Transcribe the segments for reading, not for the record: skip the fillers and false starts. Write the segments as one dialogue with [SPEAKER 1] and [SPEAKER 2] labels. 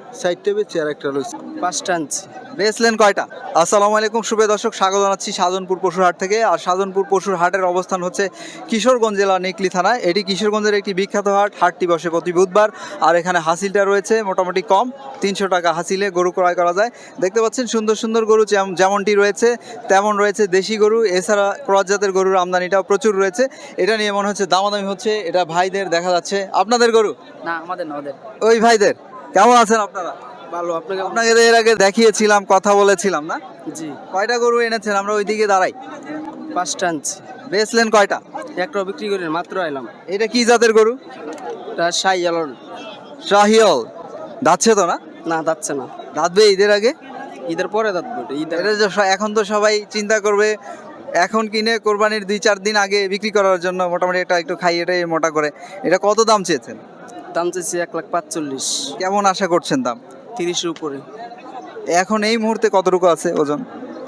[SPEAKER 1] সাইডটা বেচে আর একটা রয়েছে।
[SPEAKER 2] 5টা আনছি।
[SPEAKER 3] বেচলেন কয়টা? আসসালামু আলাইকুম সুপ্রিয় দর্শক, স্বাগত জানাচ্ছি শাহজাহানপুর পশুর হাট থেকে। আর শাহজাহানপুর পশুর হাটের অবস্থান হচ্ছে কিশোরগঞ্জ জেলা নিকলি থানায়। এটি কিশোরগঞ্জের একটি বিখ্যাত হাট। হাটটি বসে প্রতি বুধবার। আর এখানে হাসিলটা রয়েছে মোটামুটি কম, 300 টাকা হাসিলে গরু ক্রয় করা যায়। দেখতে পাচ্ছেন সুন্দর সুন্দর গরু যেমনটি রয়েছে তেমন রয়েছে দেশি গরু, এছাড়া ক্রস জাতের গরুর আমদানিটাও প্রচুর রয়েছে। এটা নিয়ে মনে হচ্ছে দামাদামি হচ্ছে, এটা ভাইদের দেখা যাচ্ছে। আপনাদের গরু?
[SPEAKER 2] না, আমাদের না, ওদের।
[SPEAKER 3] ওই ভাইদের। কেমন আছেন আপনারা?
[SPEAKER 2] ভালো, আপনাকে?
[SPEAKER 3] আপনাকে এর আগে দেখিয়েছিলাম, কথা বলেছিলাম না?
[SPEAKER 2] জি।
[SPEAKER 3] কয়টা গরু এনেছেন? আমরা ওইদিকে দাঁড়াই।
[SPEAKER 2] 5টা আনছি।
[SPEAKER 3] বেচলেন কয়টা?
[SPEAKER 2] একটা বিক্রি করে মাত্র আইলাম।
[SPEAKER 3] এটা কি জাতের গরু?
[SPEAKER 2] এটা শাহিয়াল।
[SPEAKER 3] শাহিওল। দাচ্ছে তো না?
[SPEAKER 2] না, যাচ্ছে না।
[SPEAKER 3] দাঁতবে ঈদের আগে?
[SPEAKER 2] ঈদের পরে যাচ্ছে। ঈদের
[SPEAKER 3] এটা যে এখন তো সবাই চিন্তা করবে এখন কিনে কোরবানির 2-4 দিন আগে বিক্রি করার জন্য, মোটামুটি এটা একটু খাই, এটাই মোটা করে। এটা কত দাম চেয়েছেন?
[SPEAKER 2] দাম চাইছি 1,45,000।
[SPEAKER 3] কেমন আশা করছেন দাম?
[SPEAKER 2] 30-এর উপরে।
[SPEAKER 3] এখন এই মুহূর্তে কতটুকু আছে ওজন?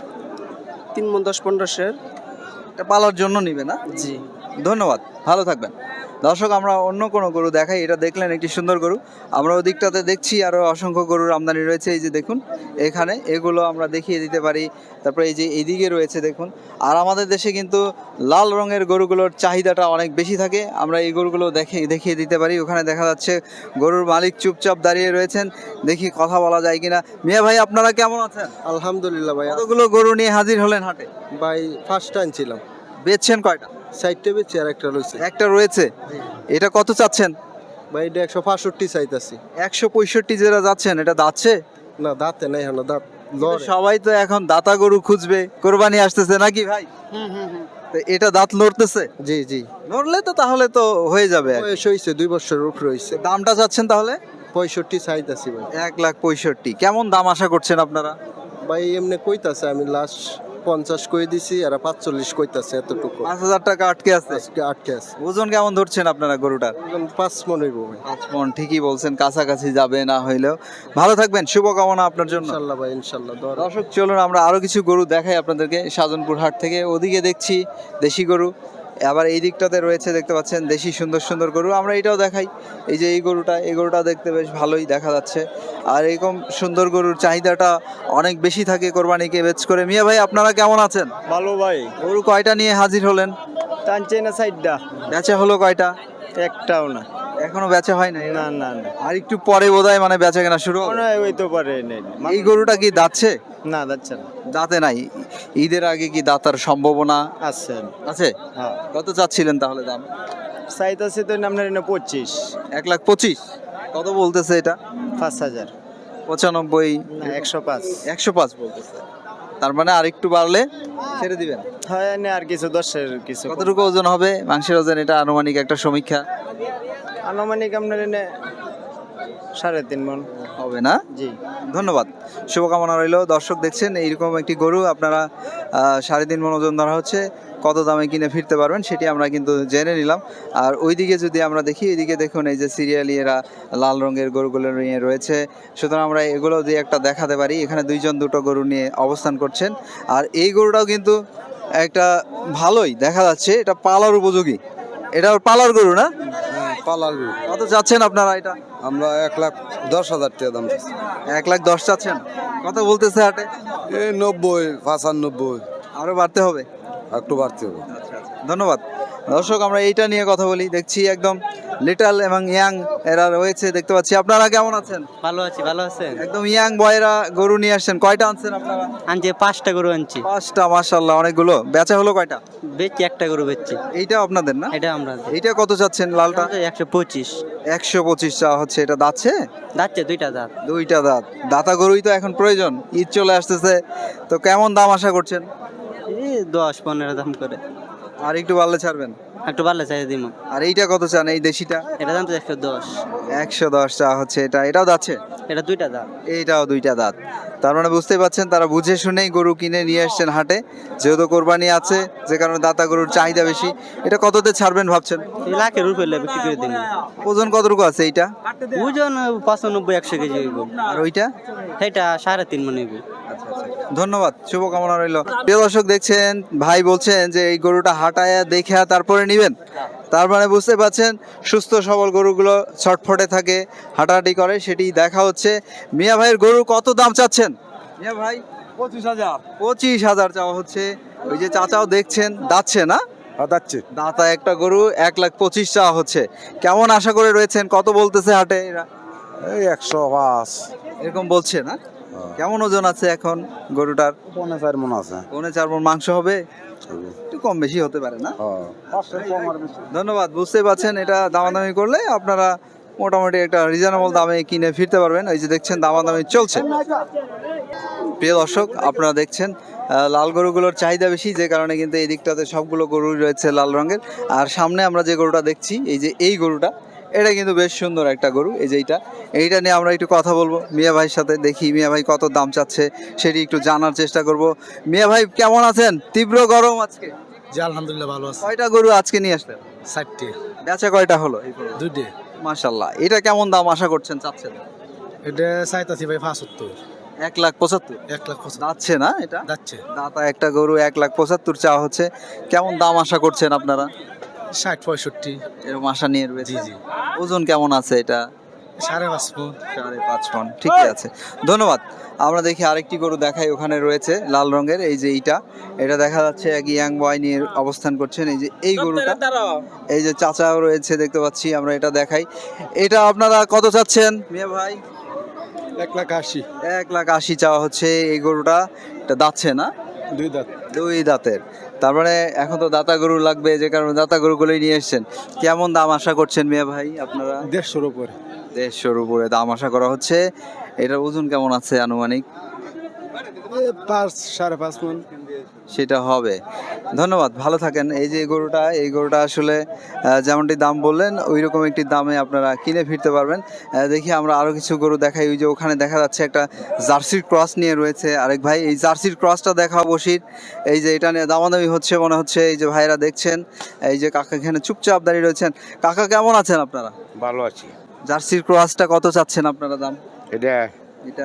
[SPEAKER 2] 3 মণ 10-15
[SPEAKER 3] এটা পালার জন্য নিবে না?
[SPEAKER 2] জি।
[SPEAKER 3] ধন্যবাদ, ভালো থাকবেন। দর্শক, আমরা অন্য কোনো গরু দেখাই। এটা দেখলেন একটি সুন্দর গরু। আমরা ওদিকটাতে দেখছি আরও অসংখ্য গরুর আমদানি রয়েছে। এই যে দেখুন এখানে, এগুলো আমরা দেখিয়ে দিতে পারি। তারপরে এই যে এইদিকে রয়েছে দেখুন। আর আমাদের দেশে কিন্তু লাল রঙের গরুগুলোর চাহিদাটা অনেক বেশি থাকে। আমরা এই গরুগুলো দেখিয়ে দিতে পারি। ওখানে দেখা যাচ্ছে গরুর মালিক চুপচাপ দাঁড়িয়ে রয়েছেন। দেখি কথা বলা যায় কিনা। মিয়া ভাই, আপনারা কেমন আছেন?
[SPEAKER 1] আলহামদুলিল্লাহ ভাই।
[SPEAKER 3] কতগুলো গরু নিয়ে হাজির হলেন হাটে?
[SPEAKER 1] ভাই 5টা আনছিলাম।
[SPEAKER 3] বেচছেন কয়টা?
[SPEAKER 1] সাইডটা বেচে আর একটা রয়েছে।
[SPEAKER 3] একটা রয়েছে। এটা কত চাচ্ছেন?
[SPEAKER 1] ভাই এটা 165 চাইতাছি।
[SPEAKER 3] 165 যেটা যাচ্ছেন, এটা দাচ্ছে?
[SPEAKER 1] না, দাঁতে নাই এখনো, দাঁত
[SPEAKER 3] কিন্তু
[SPEAKER 1] লড়ে।
[SPEAKER 3] সবাই তো এখন দাতা গরু খুঁজবে, কোরবানি আসতেছে নাকি ভাই? তো এটা দাঁত লড়তেছে?
[SPEAKER 1] জি জি।
[SPEAKER 3] লড়লে তো তাহলে তো হয়ে যাবে।
[SPEAKER 1] বয়স হয়েছে 2 বছরের উপর হয়েছে।
[SPEAKER 3] দামটা চাচ্ছেন তাহলে?
[SPEAKER 1] 65 চাইতাছি ভাই।
[SPEAKER 3] 1,65,000। কেমন দাম আশা করছেন আপনারা?
[SPEAKER 1] ভাই এমনি কইতাছে, আমি লাস্ট 50 কই দিছি, আর 45 কইতাছে, এতটুকু
[SPEAKER 3] 5,000 টাকা আটকে আছে।
[SPEAKER 1] আজকে আটকে আছে।
[SPEAKER 3] ওজন কেমন ধরছেন আপনারা গরুটার?
[SPEAKER 1] 5 মণ হইব ভাই।
[SPEAKER 3] 5 মণ। ঠিকই বলছেন, কাছাকাছি যাবে না হইলেও। ভালো থাকবেন, শুভকামনা আপনার জন্য।
[SPEAKER 1] ইনশাআল্লাহ ভাই, ইনশাআল্লাহ।
[SPEAKER 3] দর্শক, চলুন আমরা আরো কিছু গরু দেখাই আপনাদেরকে শাহজাহানপুর হাট থেকে। ওদিকে দেখছি দেশি গরু, আবার এই দিকটাতে রয়েছে দেখতে পাচ্ছেন দেশি সুন্দর সুন্দর গরু। আমরা এটাও দেখাই। এই যে এই গরুটা দেখতে বেশ ভালোই দেখা যাচ্ছে। আর এরকম সুন্দর গরুর চাহিদাটা অনেক বেশি থাকে কোরবানিকে বেচ করে। মিয়া ভাই, আপনারা কেমন আছেন?
[SPEAKER 2] ভালো ভাই।
[SPEAKER 3] গরু কয়টা নিয়ে হাজির হলেন?
[SPEAKER 2] টানছে না সাইডটা?
[SPEAKER 3] বেচা হলো কয়টা?
[SPEAKER 2] একটাও না।
[SPEAKER 3] এখনো বেচা হয় নাই?
[SPEAKER 2] না না না।
[SPEAKER 3] আর একটু পরে বোধহয় মানে বেচা কেনা শুরু হবে।
[SPEAKER 2] মনে হয় হইতে পারে নাই।
[SPEAKER 3] এই গরুটা কি দাচ্ছে?
[SPEAKER 2] না, যাচ্ছে না।
[SPEAKER 3] দাঁতে নাই। ঈদের আগে কি দাঁতার সম্ভাবনা
[SPEAKER 2] আছে।
[SPEAKER 3] আছে?
[SPEAKER 2] হ্যাঁ।
[SPEAKER 3] কত চাচ্ছিলেন তাহলে দাম?
[SPEAKER 2] চাইতাছে তো আপনার এনে 25।
[SPEAKER 3] 1,25,000। কত বলতেছে এটা?
[SPEAKER 2] 5,000।
[SPEAKER 3] 95?
[SPEAKER 2] না, 105।
[SPEAKER 3] 105 বলতেছে। তার মানে আর একটু বাড়লে ছেড়ে দিবেন?
[SPEAKER 2] হয় এনে আর কিছু 10-এর কিছু।
[SPEAKER 3] কতটুকু ওজন হবে মাংসের ওজন? এটা আনুমানিক একটা সমীক্ষা।
[SPEAKER 2] আনুমানিক আপনার এনে 3.5 মণ
[SPEAKER 3] হবে না?
[SPEAKER 2] জি।
[SPEAKER 3] ধন্যবাদ, শুভকামনা রইল। দর্শক, দেখছেন এইরকম একটি গরু আপনারা 3.5 মণ ওজন ধরা হচ্ছে। কত দামে কিনে ফিরতে পারবেন সেটি আমরা কিন্তু জেনে নিলাম। আর ওইদিকে যদি আমরা দেখি, এইদিকে দেখুন এই যে সিরিয়ালি এরা লাল রঙের গরুগুলো নিয়ে রয়েছে। সুতরাং আমরা এগুলো দিয়ে একটা দেখাতে পারি। এখানে দুটো গরু নিয়ে অবস্থান করছেন। আর এই গরুটাও কিন্তু একটা ভালোই দেখা যাচ্ছে, এটা পালার উপযোগী। এটা পালার গরু না?
[SPEAKER 1] পালার গরু।
[SPEAKER 3] কত যাচ্ছেন আপনারা এটা?
[SPEAKER 1] আমরা 1,10,000 টাকা দাম চাইছি।
[SPEAKER 3] 1,10,000 চাচ্ছেন? কত বলতেছে হাটে?
[SPEAKER 1] 90, 95।
[SPEAKER 3] আরো বাড়তে হবে?
[SPEAKER 1] একটু বাড়তে হবে।
[SPEAKER 3] ধন্যবাদ। দর্শক, আমরা এইটা নিয়ে কথা বলি। দেখছি একদম লিটল এবং ইয়াং এরা রয়েছে দেখতে পাচ্ছি। আপনারা কেমন আছেন?
[SPEAKER 2] ভালো আছি। ভালো আছেন?
[SPEAKER 3] একদম ইয়াং বয়রা গরু নিয়ে আসছেন। কয়টা আনছেন আপনারা?
[SPEAKER 2] আনছি 5টা গরু আনছি।
[SPEAKER 3] 5টা, মাশাআল্লাহ, অনেকগুলো। বেচা হলো কয়টা?
[SPEAKER 2] বেচছি, একটা গরু বেচছি।
[SPEAKER 3] এইটা আপনাদের না?
[SPEAKER 2] এটা আমরা।
[SPEAKER 3] এইটা কত চাচ্ছেন লালটা?
[SPEAKER 2] 125।
[SPEAKER 3] 125 চা হচ্ছে। এটা দাচ্ছে?
[SPEAKER 2] যাচ্ছে 2টা দাঁত।
[SPEAKER 3] 2টা দাঁত। দাতা গরুই তো এখন প্রয়োজন, ঈদ চলে আসতেছে। তো কেমন দাম আশা করছেন?
[SPEAKER 2] এই 10-15 দাম করে।
[SPEAKER 3] আর একটু বাড়লে ছাড়বেন?
[SPEAKER 2] একটু ভালো চাই দিব।
[SPEAKER 3] আর এইটা কত চান, এই দেশিটা?
[SPEAKER 2] এটা দাম তো 110।
[SPEAKER 3] 110 চা হচ্ছে। এটাও যাচ্ছে?
[SPEAKER 2] এটা 2টা দাঁত।
[SPEAKER 3] এইটাও 2টা দাঁত। তার মানে বুঝতে পারছেন, তারা বুঝে শুনেই গরু কিনে নিয়ে আসছেন হাটে। যেহেতু কোরবানি আছে, যে কারণে দাতা গরুর চাহিদা বেশি। এটা কততে ছাড়বেন ভাবছেন?
[SPEAKER 2] এই লাখের উপরে বিক্রি করে দিব।
[SPEAKER 3] ওজন কতটুকু আছে এইটা?
[SPEAKER 2] ওজন 95-100 কেজি হইব।
[SPEAKER 3] আর ওইটা?
[SPEAKER 2] এটা 3.5 মণ হইব।
[SPEAKER 3] ধন্যবাদ, শুভকামনা রইল। প্রিয় দর্শক, দেখছেন ভাই বলছেন যে এই গরুটা হাঁটায় দেখে তারপরে নিবেন। তার মানে বুঝতে পারছেন সুস্থ সবল গরুগুলো ছটফটে থাকে, হাঁটাহাঁটি করে, সেটি দেখা হচ্ছে। মিয়া ভাইয়ের গরু কত দাম চাচ্ছেন মিয়া ভাই?
[SPEAKER 4] 25,000
[SPEAKER 3] 25,000 চাওয়া হচ্ছে। ওই যে চাচাও দেখছেন দাচ্ছে না,
[SPEAKER 4] যাচ্ছে
[SPEAKER 3] দাতা একটা গরু 1,25,000 চাওয়া হচ্ছে। কেমন আশা করে রয়েছেন, কত বলতেছে হাটে এরা?
[SPEAKER 4] এই 105
[SPEAKER 3] এরকম বলছে না? কেমন ওজন আছে এখন গরুটার?
[SPEAKER 4] 4 মন আছে।
[SPEAKER 3] 4.5 মণ মাংস হবে, একটু কম বেশি হতে পারে না? ধন্যবাদ। বুঝতে পারছেন এটা দামাদামি করলে আপনারা মোটামুটি একটা রিজনেবল দামে কিনে ফিরতে পারবেন। এই যে দেখছেন দামাদামি চলছে। প্রিয় দর্শক, আপনারা দেখছেন লাল গরুগুলোর চাহিদা বেশি, যে কারণে কিন্তু এই দিকটাতে সবগুলো গরু রয়েছে লাল রঙের। আর সামনে আমরা যে গরুটা দেখছি, এই যে এই গরুটা, এটা কিন্তু বেশ সুন্দর একটা গরু। এই যে এইটা নিয়ে আমরা একটু কথা বলবো মিয়া ভাইয়ের সাথে। দেখি মিয়া ভাই কত দাম চাচ্ছে সেটি একটু জানার চেষ্টা করব। মিয়া ভাই কেমন আছেন? তীব্র গরম আজকে।
[SPEAKER 5] জি আলহামদুলিল্লাহ ভালো আছে।
[SPEAKER 3] কয়টা গরু আজকে নিয়ে আসলেন?
[SPEAKER 5] 60
[SPEAKER 3] বেচা কয়টা হলো?
[SPEAKER 5] দুইটে।
[SPEAKER 3] মাশাল্লাহ। এটা কেমন দাম আশা করছেন, চাচ্ছেন?
[SPEAKER 5] এটা চাইতাছি ভাই 75।
[SPEAKER 3] 1,75,000
[SPEAKER 5] 1,75,000
[SPEAKER 3] যাচ্ছে না এটা?
[SPEAKER 5] যাচ্ছে।
[SPEAKER 3] দাতা একটা গরু 1,75,000 চাওয়া হচ্ছে। কেমন দাম আশা করছেন আপনারা?
[SPEAKER 5] 60-65।
[SPEAKER 3] এরকম আশা নিয়ে রয়েছে।
[SPEAKER 5] জি জি।
[SPEAKER 3] ওজন কেমন আছে এটা?
[SPEAKER 5] 5.5 মণ।
[SPEAKER 3] 5.5 মণ, ঠিকই আছে। ধন্যবাদ। আমরা দেখি আরেকটি গরু দেখাই, ওখানে রয়েছে লাল রঙের। এই যে এটা দেখা যাচ্ছে এক ইয়াং বয় নিয়ে অবস্থান করছেন। এই যে এই গরুটা, এই যে চাচাও রয়েছে দেখতে পাচ্ছি। আমরা এটা দেখাই। এটা আপনারা কত চাচ্ছেন মিয়া ভাই?
[SPEAKER 5] 1,80,000।
[SPEAKER 3] 1,80,000 চাওয়া হচ্ছে এই গরুটা। এটা দাচ্ছে না?
[SPEAKER 5] দুই দাঁত।
[SPEAKER 3] দুই দাঁতের। তারপরে এখন তো দাতা গরু লাগবে, যে কারণে দাতা গরুগুলোই নিয়ে এসেছেন। কেমন দাম আশা করছেন মিয়া ভাই আপনারা?
[SPEAKER 5] 150-র উপরে।
[SPEAKER 3] 150-র উপরে দাম আশা করা হচ্ছে। এটার ওজন কেমন আছে আনুমানিক?
[SPEAKER 5] 5-5.5 মণ।
[SPEAKER 3] সেটা হবে। ধন্যবাদ, ভালো থাকেন। এই যে এই গরুটা আসলে যেমনটি দাম বললেন ওই রকম একটি দামে আপনারা কিনে ফিরতে পারবেন। দেখি আমরা আরো কিছু গরু দেখাই। ওই যে ওখানে দেখা যাচ্ছে একটা জার্সির ক্রস নিয়ে রয়েছে আরেক ভাই। এই জার্সির ক্রসটা দেখা বসির। এই যে এটা নিয়ে দামাদামি হচ্ছে মনে হচ্ছে। এই যে ভাইরা দেখছেন, এই যে কাকা এখানে চুপচাপ দাঁড়িয়ে রয়েছেন। কাকা কেমন আছেন আপনারা?
[SPEAKER 4] ভালো আছি।
[SPEAKER 3] জার্সির ক্রসটা কত চাচ্ছেন আপনারা দাম?
[SPEAKER 4] এটা
[SPEAKER 3] এটা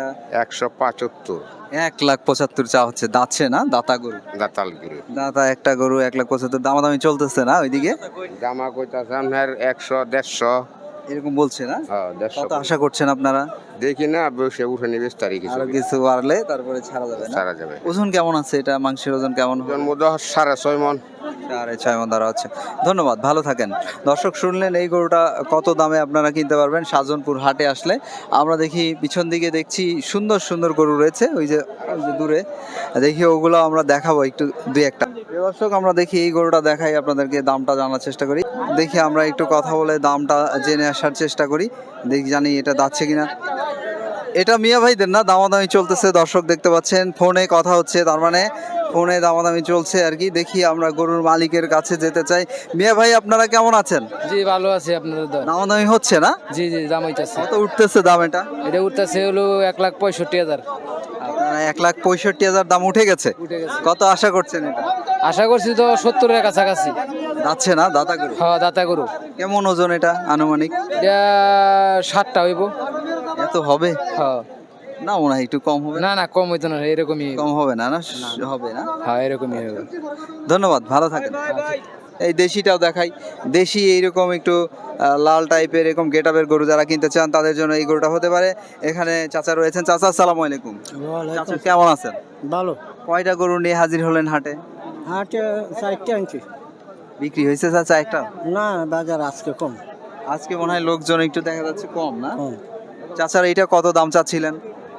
[SPEAKER 4] 175
[SPEAKER 3] 1,75,000 চা হচ্ছে। দাচ্ছে না, দাতা গরু।
[SPEAKER 4] দাতাল গরু।
[SPEAKER 3] দাতা একটা গরু 1,75,000 দামাদামি চলতেছে না ওইদিকে?
[SPEAKER 4] জামা কইতাছে আপনার 100-150।
[SPEAKER 3] এরকম বলছে না?
[SPEAKER 4] হ্যাঁ,
[SPEAKER 3] কত
[SPEAKER 4] 150।
[SPEAKER 3] আশা করছেন আপনারা?
[SPEAKER 4] দেখি না বসে উঠে নিবে তারিখ
[SPEAKER 3] আরো কিছু বাড়লে তারপরে ছাড়া যাবে না?
[SPEAKER 4] সারা যাবে।
[SPEAKER 3] ওজন কেমন আছে এটা? মাংসের ওজন কেমন হবে?
[SPEAKER 4] জন্ম 6.5 মণ।
[SPEAKER 3] 6.5 মণ ধরা হচ্ছে। ধন্যবাদ, ভালো থাকেন। দর্শক শুনলেন এই গরুটা কত দামে আপনারা কিনতে পারবেন শাহজাহানপুর হাটে আসলে। আমরা দেখি পিছন দিকে দেখছি সুন্দর সুন্দর গরু রয়েছে। ওই যে দূরে দেখি, ওগুলো আমরা দেখাবো একটু দুই একটা। দর্শক আমরা দেখি এই গরুটা দেখাই আপনাদেরকে, দামটা জানার চেষ্টা করি। দেখি আমরা একটু কথা বলে দামটা জেনে আসার চেষ্টা করি। দেখি জানি এটা যাচ্ছে কিনা। এটা মিয়া ভাইদের না, দামাদামি চলতেছে। দর্শক দেখতে পাচ্ছেন ফোনে কথা হচ্ছে, তার মানে ফোনে দামাদামি চলছে আর কি। দেখি আমরা গরুর মালিকের কাছে যেতে চাই। মিয়া ভাই আপনারা কেমন আছেন?
[SPEAKER 6] জি ভালো আছে। আপনাদের দল?
[SPEAKER 3] দামাদামি হচ্ছে না?
[SPEAKER 6] জি জি, দাম হইতাছে।
[SPEAKER 3] কত উঠতেছে দাম এটা?
[SPEAKER 6] এটা উঠতেছে হলো 1,65,000।
[SPEAKER 3] আপনারা 1,65,000 দাম উঠে গেছে।
[SPEAKER 6] উঠে গেছে।
[SPEAKER 3] কত আশা করছেন এটা?
[SPEAKER 6] আশা করছি তো 70-এর কাছাকাছি।
[SPEAKER 3] যাচ্ছে না দাতা গরু?
[SPEAKER 6] হ্যাঁ, দাতা গরু।
[SPEAKER 3] কেমন ওজন এটা আনুমানিক?
[SPEAKER 6] এটা 60টা হইব।
[SPEAKER 3] এত হবে
[SPEAKER 6] হ্যাঁ।
[SPEAKER 3] না, মনে হয় একটু কম হবে।
[SPEAKER 6] না না, কম হইতো না, এরকমই হইব।
[SPEAKER 3] কম হবে না? না হবে না?
[SPEAKER 6] হ্যাঁ, এরকমই হইব।
[SPEAKER 3] ধন্যবাদ, ভালো থাকেন। এই দেশিটাও দেখাই। দেশি এইরকম একটু লাল টাইপের এরকম গেটআপের গরু যারা কিনতে চান তাদের জন্য এই গরুটা হতে পারে। এখানে চাচা রয়েছেন। চাচা আসসালামু আলাইকুম। চাচা কেমন আছেন?
[SPEAKER 5] ভালো।
[SPEAKER 3] কয়টা গরু নিয়ে হাজির হলেন হাটে?
[SPEAKER 5] হাটে 4টে আনছি।
[SPEAKER 3] বিক্রি হয়েছে চাচা একটা?
[SPEAKER 5] না, বাজার আজকে কম।
[SPEAKER 3] আজকে মনে হয় লোকজন একটু দেখা যাচ্ছে কম না?
[SPEAKER 5] কম।
[SPEAKER 3] চাচার এইটা কত দাম চাচ্ছিলেন?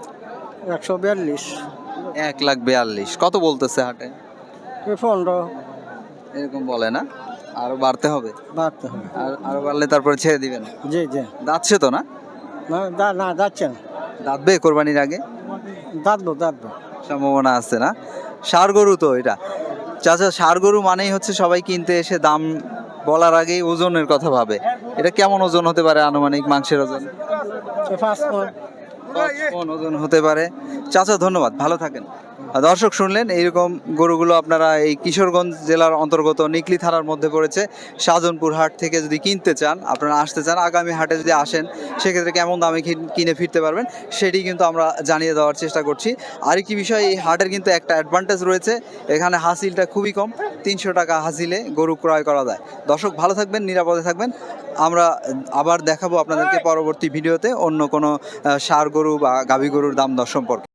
[SPEAKER 5] 142।
[SPEAKER 3] 1,42,000 কত বলতেছে হাটে?
[SPEAKER 5] 15
[SPEAKER 3] এরকম বলে না? আরো বাড়তে হবে?
[SPEAKER 5] বাড়তে হবে।
[SPEAKER 3] আর আরো বাড়লে তারপরে ছেড়ে দিবেন?
[SPEAKER 5] জি জি।
[SPEAKER 3] দাঁতছে তো না?
[SPEAKER 5] না যাচ্ছে না।
[SPEAKER 3] দাঁতবে কোরবানির আগে?
[SPEAKER 5] দাঁতবো।
[SPEAKER 3] সম্ভাবনা আছে না? ষাঁড় গরু তো এটা। চাচা ষাঁড় গরু মানেই হচ্ছে সবাই কিনতে এসে দাম বলার আগেই ওজনের কথা ভাবে। এটা কেমন ওজন হতে পারে আনুমানিক মাংসের ওজন?
[SPEAKER 5] 5 মণ।
[SPEAKER 3] 5 মণ ওজন হতে পারে। চাচা ধন্যবাদ, ভালো থাকেন। দর্শক শুনলেন এইরকম গরুগুলো আপনারা এই কিশোরগঞ্জ জেলার অন্তর্গত নিকলি থানার মধ্যে পড়েছে শাহজাহানপুর হাট থেকে যদি কিনতে চান, আপনারা আসতে চান, আগামী হাটে যদি আসেন সেক্ষেত্রে কেমন দামে কিনে ফিরতে পারবেন সেটি কিন্তু আমরা জানিয়ে দেওয়ার চেষ্টা করছি। আরেকটি বিষয়, এই হাটের কিন্তু একটা অ্যাডভান্টেজ রয়েছে, এখানে হাসিলটা খুবই কম, 300 টাকা হাসিলে গরু ক্রয় করা যায়। দর্শক ভালো থাকবেন, নিরাপদে থাকবেন। আমরা আবার দেখাবো আপনাদেরকে পরবর্তী ভিডিওতে অন্য কোনো ষাঁড় গরু বা গাভী গরুর দাম দর সম্পর্কে।